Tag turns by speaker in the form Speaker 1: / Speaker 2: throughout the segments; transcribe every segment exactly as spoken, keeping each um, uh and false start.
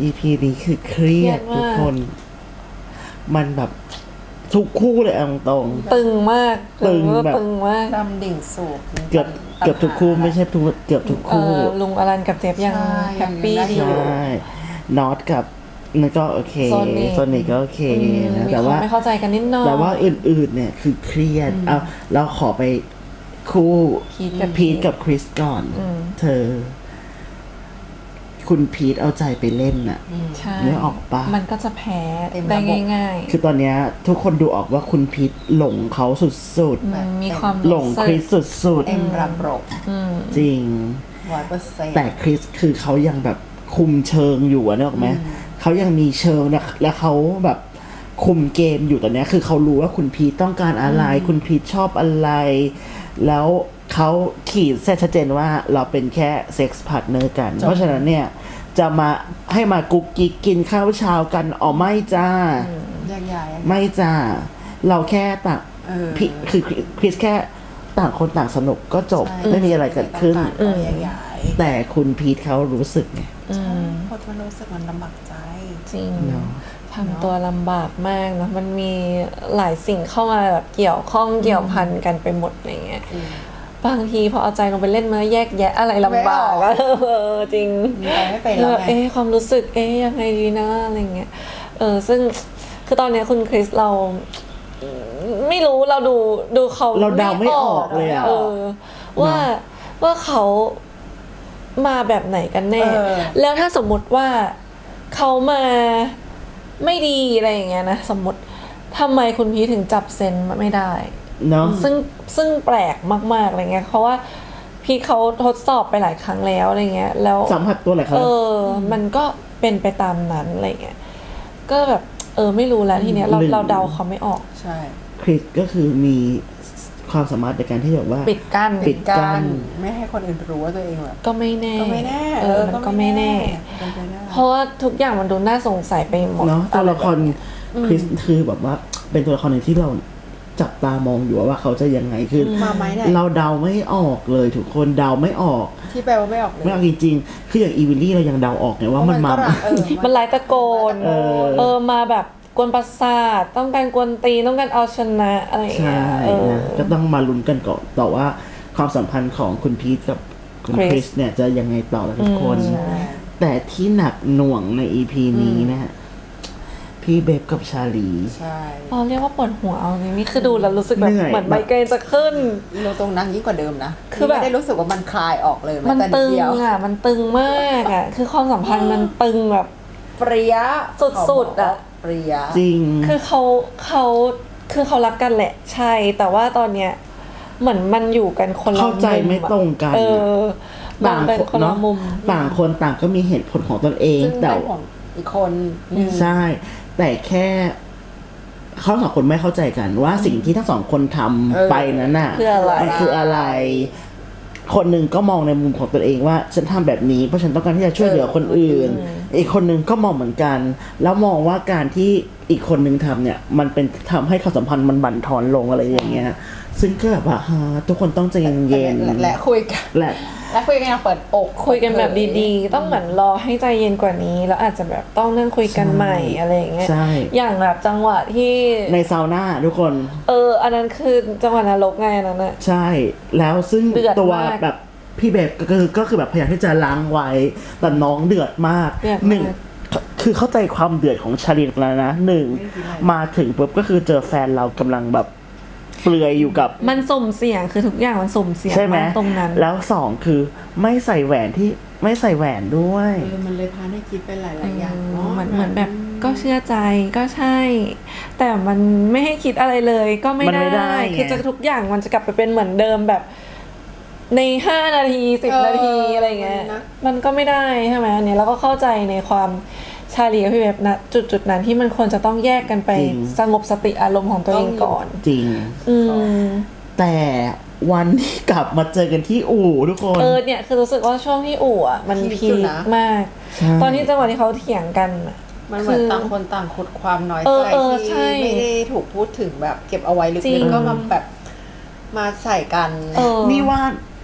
Speaker 1: อี พี นี้คือเครียดทุกคนมันแบบทุกคู่เลยเอาตรง
Speaker 2: ตึงมาก
Speaker 1: ตึงแบบ
Speaker 2: ตึงมาก
Speaker 3: ดำดิ่งสูบ
Speaker 1: เกือบเกือบทุกคู่ไม่ใช่ทุกเกือบทุกคู่
Speaker 2: ลุงอลันกับเจฟยังแฮปปี้ดี
Speaker 1: ใช่นอตกับนั่นก็โอเค
Speaker 2: โซนิค
Speaker 1: โซนิคก็โอเคนะ
Speaker 2: มี
Speaker 1: แต่
Speaker 2: ควา
Speaker 1: ว่า
Speaker 2: มไม่เข้าใจกันนิดหน่อย
Speaker 1: แต่ว่าอื่นๆเนี่ยคือเครียดเอาเราขอไปคู่
Speaker 2: พีทกับ
Speaker 1: พีทกับคริสก่อน เธอ คุณพีทเอาใจไปเล่นน่ะ
Speaker 2: ใช่
Speaker 1: เนื้อออกปะ
Speaker 2: มันก็จะแพ้ได้ง่าย
Speaker 1: คือตอนเนี้ยทุกคนดูออกว่าคุณพีทหลงเขาสุด
Speaker 2: ๆมันมีความ
Speaker 1: ๆ หลงคริสสุด
Speaker 3: เต็มระบบ
Speaker 1: ๆ จริง
Speaker 3: ร้อยเปอร์เซ็นต์
Speaker 1: แต่คริสคือเขายังแบบคุมเชิงอยู่อะนึกออกไหมเขายังมีเชิงนะแล้วเขาแบบคุมเกมอยู่ตอนเนี้ยคือเขารู้ว่าคุณพีทต้องการอะไร คุณพีทชอบอะไร แล้วเขาขีดเส้นชัดเจนว่าเราเป็นแค่เซ็กส์พาร์ทเนอร์กัน เพราะฉะนั้นเนี่ยจะมาให้มากุ๊กกิ๊กกินข้าวเช้ากันอ๋อไม่จ้า
Speaker 3: แยกย้าย
Speaker 1: ไม่จ้า เราแค่ต่าง
Speaker 3: เออ
Speaker 1: พี่คือคริสแค่ต่างคนต่างสนุกก็จบ
Speaker 3: ใช่
Speaker 1: ไม่มีอะไรเกิดขึ้น
Speaker 3: ต่างๆก็แยกย้าย
Speaker 1: แต่คุณพีทเขารู้สึกไง
Speaker 3: ใช่เพราะมันรู้สึกมันลำบากใจ
Speaker 2: จริง
Speaker 1: เนาะ
Speaker 2: ทำตัวลำบากมากเนอะมันมีหลายสิ่งเข้ามาแบบเกี่ยวข้องเกี่ยวพันกันไปหมดอะไรเงี้ยบางทีพอเอาใจลงไปเล่นมาแยกแยะอะไรลำบากอะเออจริง
Speaker 3: ไปไม่เป็น
Speaker 2: เอ
Speaker 3: แล้ว
Speaker 2: อ
Speaker 3: ไง
Speaker 2: เอ๊ะความรู้สึกเอ๊ะยังไงดีนะอะไรเงี้ยเออซึ่งคือตอนเนี้ยคุณคริสเรา ไม่รู้เราดูดูเขา
Speaker 1: เราเดาไม่ออกเลยอะ
Speaker 2: เออ ว่าว่าเขามาแบบไหนกันแน่
Speaker 3: เออ
Speaker 2: แล้วถ้าสมมติว่าเขามาไม่ดีอะไรอย่างเงี้ยนะสมมติทำไมคุณพีทถึงจับเซนไม่ได้
Speaker 1: เนาะ
Speaker 2: ซึ่งซึ่งแปลกมากๆอะไรเงี้ยเพราะว่าพีทเขาทดสอบไปหลายครั้งแล้วอะไรเงี้ยแล้ว
Speaker 1: สัมผัสตัวอะไรครับ
Speaker 2: เออ มันก็เป็นไปตามนั้นอะไรเงี้ยก็แบบเออไม่รู้แล้วทีเนี้ยเรา
Speaker 1: หรือ
Speaker 2: เราเดาเขาไม่ออก
Speaker 3: ใช่
Speaker 1: คริสก็คือมีความสามารถในการที่แบบว่า
Speaker 2: ปิดกั้น
Speaker 1: ปิด กั้น
Speaker 3: ไม่ให้คนอื่นรู้ว่าตัวเองแบบ
Speaker 2: ก็ไม่แน่
Speaker 3: ก็ไม่แน่
Speaker 2: เออมันก็ไม่แน่
Speaker 3: เป็นไปได้
Speaker 2: เพราะว่าทุกอย่างมันดูน่าสงสัยไปหมด
Speaker 1: เนาะตัวละคร
Speaker 2: อไแบบเนี้ย
Speaker 1: คริสคือแบบว่า เป็นตัวละครหนึ่งที่เราจับตามองอยู่ว่าเขาจะยังไงคือ
Speaker 3: มาไหมเนี่ย
Speaker 1: เราเดาไม่ออกเลยทุกคนเดาไม่ออก
Speaker 3: ที่แปลว่าไม่ออกเลย
Speaker 1: ไม่ออกจริงๆคืออย่างอีวิลลี่เรายังเดาออกไงว่ามันมา
Speaker 3: ก็รักเออ
Speaker 2: มันไล่ตะโกน
Speaker 1: เออ
Speaker 2: เออมาแบบกวนประสาทต้องการกวนตีนต้องการเอาชนะอะไรอย่าง
Speaker 1: ใช่
Speaker 2: เงี้ยเออ
Speaker 1: นะก็ต้องมาลุ้นกันก่อนต่อว่าความสัมพันธ์ของคุณพีทกับคุณค
Speaker 2: คริ
Speaker 1: ริส
Speaker 2: ส
Speaker 1: เนี่ยจะยังไงต่อละทุกคน
Speaker 2: อืม
Speaker 1: แต่ที่หนักหน่วงใน อี พี นี้นะฮะพี่เบฟกับชาลี
Speaker 3: ใช่
Speaker 2: เราเรียกว่าปวดหัวเอาจริงนี่คือดูแล้วรู้สึกแบบ
Speaker 1: เหนื่อย
Speaker 2: เหมือนไมเกรนจะขึ้น
Speaker 3: เราตรงนั้นยิ่งกว่าเดิมนะ
Speaker 2: คือแบบ
Speaker 3: ไม่ได้รู้สึกว่ามันคลายออกเลย
Speaker 2: มัน
Speaker 3: แแต่
Speaker 2: ตึง
Speaker 3: เดียว
Speaker 2: อ่ะ มันตึงมากอ่ะ คือความสัมพันธ์มันตึงแบบ
Speaker 3: เปรี้ย
Speaker 2: สุดๆอะ
Speaker 3: เปรี้ย
Speaker 1: จริง
Speaker 2: คือเขาเขาคือเขารักกันแหละ ใช่ แต่ว่าตอนเนี้ยเหมือนมันอยู่กันคนละ
Speaker 1: เข้าใจ
Speaker 2: มุมอะ
Speaker 1: ไม่ตรงกัน
Speaker 2: เออมัน
Speaker 1: ต่าง
Speaker 2: เป็น
Speaker 1: คน
Speaker 2: คนละ
Speaker 1: เนาะ
Speaker 2: มุม
Speaker 1: ต่างคนต่างก็มีเหตุผลของตนเอง
Speaker 3: ซึ่ง
Speaker 1: แต่
Speaker 3: เป็นของอีกคนหนึ่ง
Speaker 1: ใช่ แต่แค่เขาสองคนไม่เข้าใจกันว่าสิ่งที่ทั้งสองคนทำไปนั้นน่ะ
Speaker 2: คืออะไร
Speaker 1: มันคืออะไร คนหนึ่งก็มองในมุมของตัวเองว่าฉันทำแบบนี้เพราะฉันต้องการที่จะช่วยเหลือคนอื่น อีกคนหนึ่งก็มองเหมือนกัน แล้วมองว่าการที่อีกคนหนึ่งทำเนี่ย มันเป็นทำให้ความสัมพันธ์มันบั่นทอนลงอะไรอย่างเงี้ย ซึ่งก็แบบว่าฮะทุกคนต้องใจเย็น
Speaker 3: และและคุยกัน
Speaker 1: ๆและ
Speaker 3: และคุยกันอย่างเปิดอก
Speaker 2: คุยกันแบบดีๆ ต้องเหมือนรอให้ใจเย็นกว่านี้ แล้วอาจจะแบบต้องนั่งคุยกันใหม่อะไรอย่างเงี้ย
Speaker 1: ใช่
Speaker 2: อย่างแบบจังหวะที่
Speaker 1: ในซาวน่าทุกคน
Speaker 2: เออ อันนั้นคือจังหวะนรกไงอันนั้นอะ
Speaker 1: ใช่ แล้วซึ่ง
Speaker 2: เดือด
Speaker 1: ตัว
Speaker 2: มาก
Speaker 1: แบบพี่เบบก็คือก็คือแบบพยายามที่จะล้างไว้ แต่น้องเดือดมาก
Speaker 2: เดือดมาก
Speaker 1: หนึ่งคือเข้าใจความเดือดของชาลินแล้วนะหนึ่งมาถึงปุ๊บก็คือเจอแฟนเรากำลังแบบเปลือยอยู่กับ
Speaker 2: มันสุ่มเสี่ยงคือทุกอย่างมันสุ่มเสี่ยง
Speaker 1: ใช่ไหม
Speaker 2: มากตรงนั้น
Speaker 1: แล้วสองคือไม่ใส่แหวนที่ไม่ใส่แหวนด้วย
Speaker 3: เออมันเลยพาให้คิดไปหลายๆอย่าง
Speaker 2: อืม
Speaker 3: เนาะ
Speaker 2: เหมือนเหมือนแบบก็เชื่อใจก็ใช่ แต่มันไม่ให้คิดอะไรเลยก็ไม่
Speaker 1: มันไม่ได้
Speaker 2: ได้
Speaker 1: ไง
Speaker 2: คือจะทุกอย่างมันจะกลับไปเป็นเหมือนเดิมแบบ ในห้านาทีสิบนาทีอะไรเงี้ยมันก็ไม่ได้ใช่ไหมอันเนี้ยเราก็เข้าใจในความชาลีกับพี่เว็บนะจุดจุดๆนั้นที่มันควรจะต้องแยกกันไปสงบสติอารมณ์ของตัวเองก่อน
Speaker 1: จริง
Speaker 2: อืม
Speaker 1: แต่วันที่กลับมาเจอกันที่อู่ทุกคน
Speaker 2: เออเนี่ยคือรู้สึกว่าช่วงที่อู่อ่ะมันพีคมาก
Speaker 1: ใช่
Speaker 2: ตอนที่จังหวะที่เขาเถียงกันอะ
Speaker 3: มันเหมือนต่างคนต่างขุดความน้อย
Speaker 2: เอ
Speaker 3: ใจ
Speaker 2: อเออใช่
Speaker 3: ที่ไม่ได้ถูกพูดถึงแบบเก็บเอาไว้ลึ
Speaker 2: จริ
Speaker 3: ก
Speaker 2: ง
Speaker 3: ๆก็มาแบบมาใส่กัน
Speaker 2: เออ
Speaker 1: นี่ว่า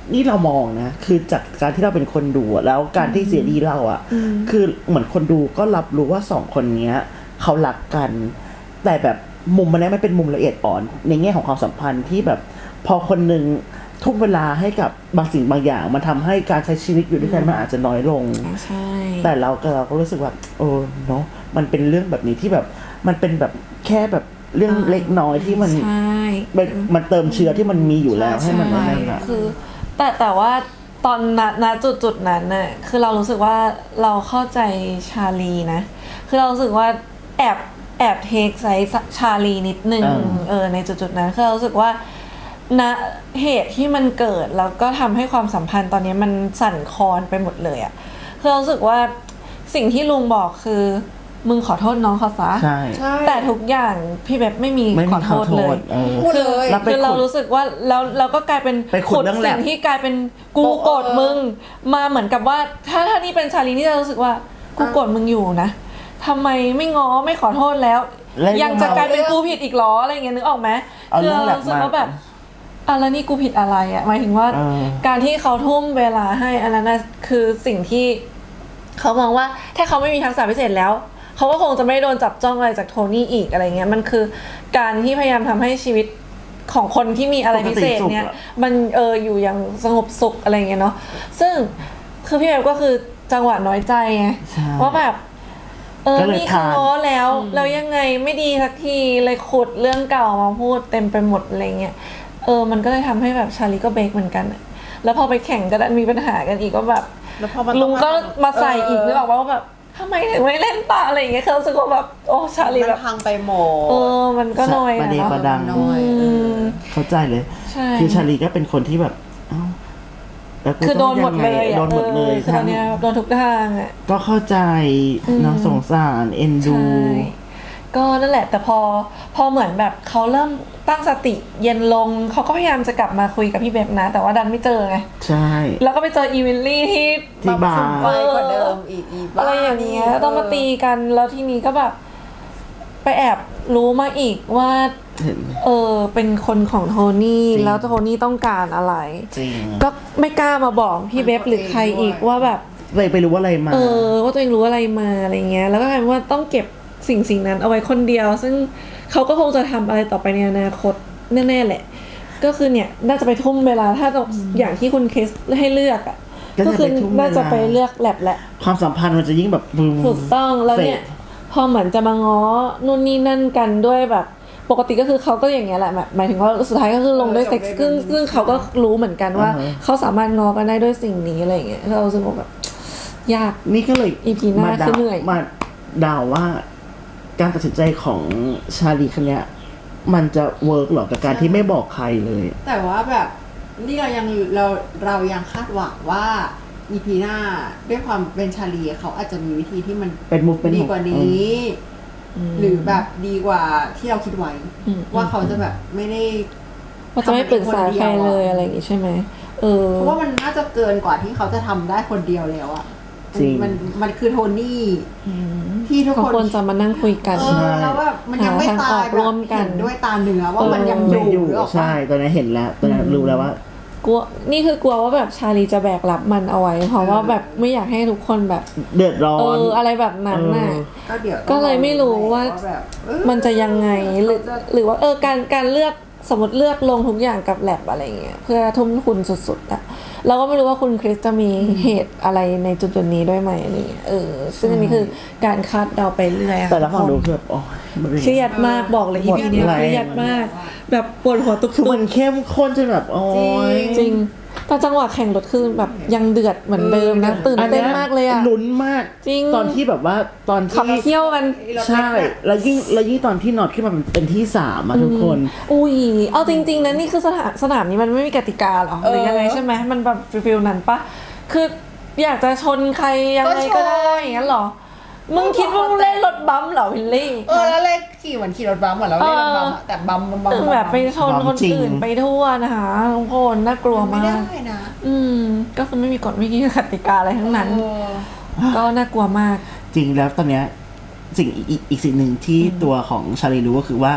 Speaker 1: นี่เรามองนะคือจากการที่เราเป็นคนดูอะแล้วการที่เสียดีเราอะคือเหมือนคนดูก็รับรู้ว่าสองคนเนี้ยเขารักกัน แต่แบบมุมมันนี้มันเป็นมุมละเอียดอ่อนในแง่ของความสัมพันธ์ที่แบบพอคนหนึ่งทุ่มเวลาให้กับบางสิ่งบางอย่างมันทำให้การใช้ชีวิตอยู่ด้วยกันมันอาจจะน้อยลง
Speaker 2: ใช่
Speaker 1: แต่เราก็เราก็รู้สึกว่าโอ้เนาะมันเป็นเรื่องแบบนี้ที่แบบมันเป็นแบบแค่แบบเรื่องเล็กน้อยที่มัน
Speaker 2: ใช่
Speaker 1: เป็นมันเติมเชื้อที่มันมีอยู่แล้วให้มัน
Speaker 2: ใช่
Speaker 1: นั่นแหละ
Speaker 2: คือแต่แต่ว่าตอนณณจุดจุดนั้นน่ะคือเรารู้สึกว่าเราเข้าใจชาลีนะคือเรารู้สึกว่าแอบแอบเทคไซส์ชาลีนิดนึง
Speaker 1: อ่า
Speaker 2: เออในจุดจุดนั้นคือเรารู้สึกว่าณเหตุที่มันเกิดแล้วก็ทำให้ความสัมพันธ์ตอนนี้มันสั่นคลอนไปหมดเลยอะคือเรารู้สึกว่าสิ่งที่ลุงบอกคือมึงขอโทษน้องเขาซะ
Speaker 1: ใช่
Speaker 3: ใช่
Speaker 2: แต่ทุกอย่างพี่แบบไม่มี
Speaker 1: ไม่
Speaker 2: ข
Speaker 1: มี
Speaker 2: อโท
Speaker 1: ขอ
Speaker 2: ษ
Speaker 1: โท
Speaker 2: เลย
Speaker 1: ษเออ
Speaker 3: พูดเลย
Speaker 1: แล้วไป
Speaker 2: คือเรา
Speaker 1: ขุด
Speaker 2: รู้สึกว่าแล้วเราก็กลายเป็น
Speaker 1: ไปขุดเรื่องแลบ
Speaker 2: สิ่งที่กลายเป็นกูโกรธมึงมาเหมือนกับว่า ถ้าถ้านี่เป็นชาลีนี่จะรู้สึกว่ากูโกรธมึงอยู่นะทำไมไม่ง้อไม่ขอโทษแล้ว
Speaker 1: แล้ว
Speaker 2: ยังจะกลายเป็นกูผิดอีกเหรออะไรอย่างเงี้ยนึกออกไหม
Speaker 1: เอา
Speaker 2: คื
Speaker 1: เรื่องแลบ
Speaker 2: รู้สึก
Speaker 1: มา
Speaker 2: ว่าแบบอ่ะแล้วนี่กูผิดอะไรอ่ะหมายถึงว่า
Speaker 1: เออ
Speaker 2: การที่เขาทุ่มเวลาให้อันนั้นนะคือสิ่งที่เขามองว่าถ้าเขาไม่มีทักษะพิเศษแล้วเขาก็คงจะไม่โดนจับจ้องอะไรจากโทนี่อีกอะไรเงี้ยมันคือการที่พยายามทำให้ชีวิตของคนที่มีอะไรพิเศษเนี่ยมันเอออยู่อย่างสงบสุขอะไรเงี้ยเนาะซึ่งคือพี่แบบก็คือจังหวะน้อยใจไง
Speaker 1: ใช่
Speaker 2: ว่าแบบเออ
Speaker 1: ก็เลย
Speaker 2: นี่คือ
Speaker 1: ทาน
Speaker 2: ง้อแล้วแล้วยังไงไม่ดีสักทีเลยขุดเรื่องเก่ามาพูดเต็มไปหมดอะไรเงี้ยเออมันก็เลยทำให้แบบชาลีก็เบรกเหมือนกันอะแล้วพอไปแข่งก็ดันมีปัญหากันอีกก็แบบ
Speaker 3: แล้วพอมัน
Speaker 2: ลุงก็มาใส่อีกนึกออก
Speaker 3: เ
Speaker 2: ว่าแบบทำไมถึงไม่เล่นต่ออะไรอย่างเงี้ยคือรู้สึกว่าแบบโอ้ชาลี
Speaker 3: มั
Speaker 2: แบ
Speaker 3: น
Speaker 2: บ
Speaker 3: พังไปหม
Speaker 2: เอ
Speaker 3: ด
Speaker 2: อมันก็น้อย
Speaker 1: ประ
Speaker 2: นะ
Speaker 1: เด
Speaker 2: เนาะ
Speaker 1: ประดัง
Speaker 3: น้อย
Speaker 2: อืม
Speaker 1: เข้าใจเลย
Speaker 2: ใช่
Speaker 1: คือชาลีก็เป็นคนที่แบบเอ้าแล้วกู
Speaker 2: คือโดนหมด
Speaker 1: ต้องงไง
Speaker 2: เลยอะ
Speaker 1: โดนหมดเลย
Speaker 2: ออคือตอนเนี้ยโดนทุกทางอ่ะ
Speaker 1: ก็เข้าใจเนาะสงสารเอ็นดู
Speaker 2: ใช่ก็นั่นแหละแต่พอพอเหมือนแบบเขาเริ่มตั้งสติเย็นลงเขาก็พยายามจะกลับมาคุยกับพี่เบบนะ แต่ว่าดันไม่เจอไง
Speaker 1: ใช่
Speaker 2: แล้วก็ไปเจออีวิลลี่ที่
Speaker 1: ที่บาร์
Speaker 3: ไปกว่าเดิมอีกอีบ้า
Speaker 2: อะไรอย่างเงี้ย
Speaker 3: นี่
Speaker 2: ต้องมาตีกันแล้วทีนี้ก็แบบ ไปแอบรู้มาอีกว่า
Speaker 1: เห็น
Speaker 2: เออเป็นคนของโทนี่
Speaker 1: จริง
Speaker 2: แล้วโทนี่ต้องการอะไร
Speaker 1: จริง
Speaker 2: ก็ไม่กล้ามาบอกพี่เบบหรือใครอีกว่าแบบ
Speaker 1: เลยไปรู้ว่าอะไรมา
Speaker 2: เออว่าตัวเองรู้อะไรมาอะไรเงี้ยแล้วก็กลายเป็นว่าต้องเก็บสิ่งสิ่งนั้นเอาไว้คนเดียว ซึ่งเขาก็คงจะทำอะไรต่อไปในอนาคตแน่ๆแหละ ก็คือเนี่ยน่าจะไปทุ่มเวลาถ้าอย่างที่คุณเคสให้เลือกอ่ะ
Speaker 1: ก็
Speaker 2: ก็
Speaker 1: จะ
Speaker 2: คื
Speaker 1: ไป
Speaker 2: อ
Speaker 1: ทุ่มเวลา
Speaker 2: น่าจะไปเลือกแลบแหละ
Speaker 1: ความสัมพันธ์มันจะยิ่งแบบบูม
Speaker 2: ถูกต้องแล้วเนี่ย
Speaker 1: เฟด
Speaker 2: พอเหมือนจะมาง้อนู่นนี่นั่นกันด้วยแบบ ปกติก็คือเขาก็อย่างเงี้ยแหละแบบหมายถึงว่าสุดท้ายก็คือลงด้วยเซ็กซ์ซึ่งซึ่งเขาก็รู้เหมือนกันว่า
Speaker 1: อ่าฮะ
Speaker 2: เขาสามารถง้อกันได้ด้วยสิ่งนี้อะไรอย่างเงี้ยเรารู้สึกว่าแบบยาก
Speaker 1: นี่ก็เลย
Speaker 2: อี พี หน้า
Speaker 1: มา
Speaker 2: คือ
Speaker 1: เดา
Speaker 2: เหนื่อย
Speaker 1: มาเดาว่า การตัดสินใจของชาลีคนเนี้ยมันจะเวิร์กหรอกับการที่ไม่บอกใครเลย
Speaker 3: แต่ว่าแบบนี่เรายังเราเรายังคาดหวังว่าอีพีหน้าด้วยความเป็นชาลีเขาอาจจะมีวิธีที่มัน
Speaker 1: เป็นมุกเป็น
Speaker 3: ดี
Speaker 1: ของ
Speaker 3: กว่านี้ หรือแบบดีกว่าที่เราคิดไว้
Speaker 2: อืม
Speaker 3: ว่าเขาจะแบบไม่ได้
Speaker 2: ว่าจะไม่ปรึกษาใครเลยอะไรอย่างงี้ใช่ไหมเออ
Speaker 3: เพราะว่ามันน่าจะเกินกว่าที่เขาจะทำได้คนเดียวแล้วอะ
Speaker 1: จริง
Speaker 3: มันมันคือโทนี่ที่ทุก
Speaker 2: เขา
Speaker 3: คน
Speaker 2: ควรจะมานั่งคุยกัน
Speaker 3: เออแล้วแบบมันยังไม่
Speaker 2: หาทาง
Speaker 3: ตา
Speaker 2: อย อก
Speaker 3: แบบ
Speaker 2: ร่วมกัน
Speaker 3: เห็นด้วยตาเนื้อว่ามันยังอ
Speaker 1: ไม่
Speaker 3: ยู่
Speaker 1: อยู่
Speaker 3: หรือเปล่า
Speaker 1: ใช่ตอนนี้นเห็นแล้วตอนนั้นรู้แล้วว่า
Speaker 2: กลัวนี่คือกลัวว่าแบบชาลีจะแบกรับมันเอาไว้ เพราะว่าแบบไม่อยากให้ทุกคนแบบ
Speaker 1: เดือดร้อ
Speaker 2: เอน ออะไรแบบนั้นน่ะ
Speaker 1: เออ
Speaker 3: ก็เดี๋ยว
Speaker 2: ก็เลยไม่รู้ว่า
Speaker 3: แบบเออ
Speaker 2: มันจะยังไงหรือหรือว่าเออการการเลือกสมมติเลือกลงทุกอย่างกับแลบอะไรเงี้ยเพื่อทุ่มทุนสุดๆอะเราก็ไม่รู้ว่าคุณคริสจะมีเหตุอะไรในจุดๆนี้ด้วยไหมอะไรเงี้ยเออซึ่งอันนี้คือการคาดเดาไปเรื่อยอะ
Speaker 1: แต่ละฝั่งดูคือแบบโอ้ยมันเป็น
Speaker 2: เครียดมากบอกเลยอีพีนี้
Speaker 1: หมดแรง
Speaker 2: เครียดมาก แบบปวดหัวตุก
Speaker 1: คือ
Speaker 2: ๆ
Speaker 1: มันเข้มข้นจนแบบโอ้ย
Speaker 2: จริงแต่จังหวะแข่งรถคือแบบยังเดือดเหมือนเดิมนะตื่นเต้นมากเลยอะ
Speaker 1: ลุ้นมาก
Speaker 2: จริง
Speaker 1: ตอนที่แบบว่าตอน
Speaker 2: ขับ
Speaker 1: ที่
Speaker 2: เที่ยวกัน
Speaker 1: ใช่ แล้วยิ่งแล้วยิ่งตอนที่นอตขึ้นมาเป็นที่สามอะทุกคน
Speaker 2: อุ้ยเอาจริงๆนะนี่คือสนามสนามนี้มันไม่มีกติกาหรอหรือยังไงใช่ไหมมันแบบฟิลๆนั้นปะคืออยากจะชนใครยังไงก็ได้อย่างนั้นหรอมึงคิดว่ามึงเล่นรถบัมป์เหรอวิลลี่
Speaker 3: เออแล้วเลขขี่เหมือนขี่รถบัมเหมือนเราเล่นรถบัมอะแต่บัมบัมบัม
Speaker 2: คือแบบไปชนคน
Speaker 1: จริง
Speaker 2: อื่นไปทั่วนะคะทุกคนน่ากลัว
Speaker 3: ไม่
Speaker 2: มา
Speaker 3: ได้
Speaker 2: ก
Speaker 3: นะ
Speaker 2: อืมก็คือไม่มีกฎไม่มีกติกาอะไรทั้งนั้น
Speaker 3: เออ
Speaker 2: ก็น่ากลัวมาก
Speaker 1: จริงแล้วตอนเนี้ยสิ่งอีกอีกอีกสิ่งหนึ่งที่ตัวของชาลีรู้ก็คือว่า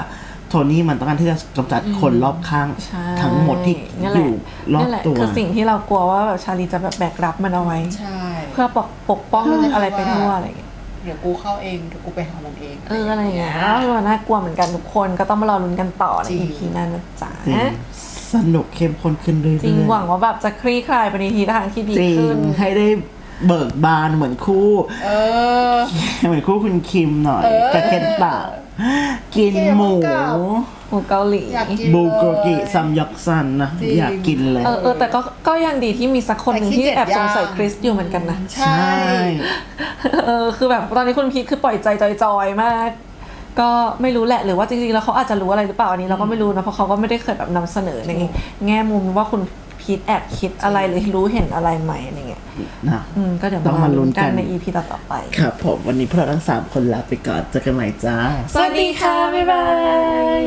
Speaker 1: โทนี่มันต้องการที่จะกำจัดคนรอบข้าง
Speaker 2: ใช่
Speaker 1: ทั้งหมดที่
Speaker 2: นั่นแห
Speaker 1: อ
Speaker 2: ละ
Speaker 1: ยู่รอบ
Speaker 2: นั่นแหละ
Speaker 1: ตัว
Speaker 2: คือสิ่งที่เรากลัวว่าแบบชาลีจะแบบแบกรับมันเอาไว้
Speaker 3: ใช่
Speaker 2: เพื่อปกปกป้องอะไรไปทั่วอะไรอย่างเงี้ย
Speaker 3: เดี๋ยวกูเข้าเองเดี๋ยวกูไปหามันเอง
Speaker 2: เอออะไรอย่างเงี้ยแล้วมันน่ากลัวเหมือนกันทุกคนก็ต้องมารอลุ้นกันต่อใน
Speaker 3: จริง
Speaker 2: อีพีหนั้นนะจ๊ะ
Speaker 1: จริงสนุกเข้มข้นขึ้นเรื่อยๆ
Speaker 2: จริงหวังว่าแบบจะคลี่คลายไปในทีทางที่ดี
Speaker 1: จริ
Speaker 2: ขึ้
Speaker 1: ง
Speaker 2: น
Speaker 1: ให้ได้เบิกบานเหมือนคู่
Speaker 3: เออ
Speaker 1: เหมือนคู่คุณคิมหน่อย
Speaker 3: เออ
Speaker 1: กับเคนตะกินหมู
Speaker 3: เกี่ยวกับ
Speaker 2: หมูเกาหลี
Speaker 3: อยากกิน
Speaker 1: บูโกกิ
Speaker 3: เลย
Speaker 1: ซัมยอกซันนะ
Speaker 3: จริง
Speaker 1: อยากกินเลย
Speaker 2: เออเออแต่ก็ก็ยังดีที่มีสักคนหนึ่ง
Speaker 3: แต่ขี้
Speaker 2: ที่
Speaker 3: เกียจ
Speaker 2: แอบสงสัย
Speaker 3: ย่าง
Speaker 2: คริสอยู่เหมือนกันนะ
Speaker 3: ใช่
Speaker 2: เออคือแบบตอนนี้คุณพีทคือปล่อยใจจอยๆมาก ก็ไม่รู้แหละหรือว่าจริงๆแล้วเขาอาจจะรู้อะไรหรือเปล่าอันนี้เราก็ไม่รู้นะเพราะเขาก็ไม่ได้เคยแบบนำเสนอในแง่มุมว่าคุณพีทแอบคิดอะไรหรือรู้เห็นอะไรไหมอะไรเงี้ย
Speaker 1: นะ
Speaker 2: อืมก็เดี๋ยว
Speaker 1: ต้องมาลุ้นกัน
Speaker 2: ใน อี พี ต่อๆไป
Speaker 1: ครับผมวันนี้พวกเราทั้งสามคนลาไปก่อนเจอกันใหม่จ้า
Speaker 2: สวัสดีค่ะ บ๊ายบาย